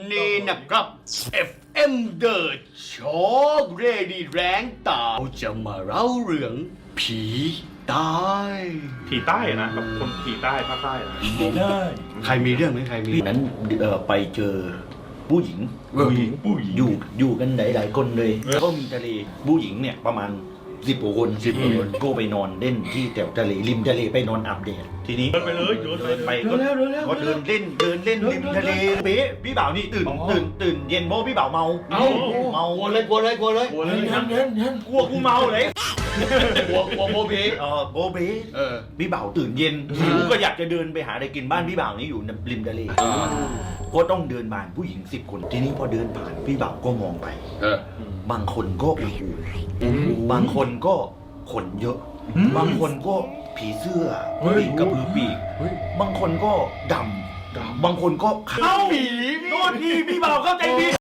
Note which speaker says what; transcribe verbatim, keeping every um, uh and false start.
Speaker 1: นี้นะครับ เอฟ เอ็ม The Shock Ready แรงตาจะมาเล่าเรื่องผีใต้
Speaker 2: ผีใต้นะแบบคนผีใต้ภาคใต้นะ
Speaker 3: ไม่ได้
Speaker 1: ใครมีเรื่องไหมใครมี
Speaker 3: นั้นเอ่อไปเจอผู้หญิง
Speaker 1: ผู้หญิง
Speaker 3: ผู้หญิงอยู่อยู่กันหลายๆคนเลยแล้วก็มีทะเลผู้หญิงเนี่ยประมาณสิบกว่าคนสิบกว่าคนก็ไปนอนเล่นที่แถวทะเลริมทะเลไปนอนอาบแดดทีนี้
Speaker 2: เดินไปเลยเดินไป
Speaker 3: เดินไป
Speaker 2: เลย
Speaker 3: ก็ก็เดินเล่นเดินเล่นริมทะเลเป๊ะพี่บ่าวนี่ตื่นตื่นตื่นเย็นเพราะพี่บ่าวเมา
Speaker 1: เอ้า
Speaker 3: เมาก
Speaker 1: ลัวเลยกลัวเลยกลัวเลย
Speaker 2: กลัวเลย
Speaker 3: ยันยันยันกลัวกูเมาเลย
Speaker 1: กลัวกลัวโมเพ
Speaker 3: เออโบเบ้
Speaker 1: เออ
Speaker 3: พี่บ่าวตื่นเย็นหิวก็อยากจะเดินไปหาอะไรกินบ้านพี่บ่าวนี่อยู่ริมทะเลก็ต้องเดินผ่านผู้หญิงสิบคนทีนี้พอเดินผ่านพี่บ่าวก็มองไป
Speaker 1: เออบ
Speaker 3: างคนก็โอ้โหบางคนก็ขนเยอะ บางคนก็ผีเสื้อปีกกระพือปีก บางคนก็ดำ บางคนก็ขาว
Speaker 1: ผี
Speaker 3: โทษทีพี่บ่าวเข้าใจผิด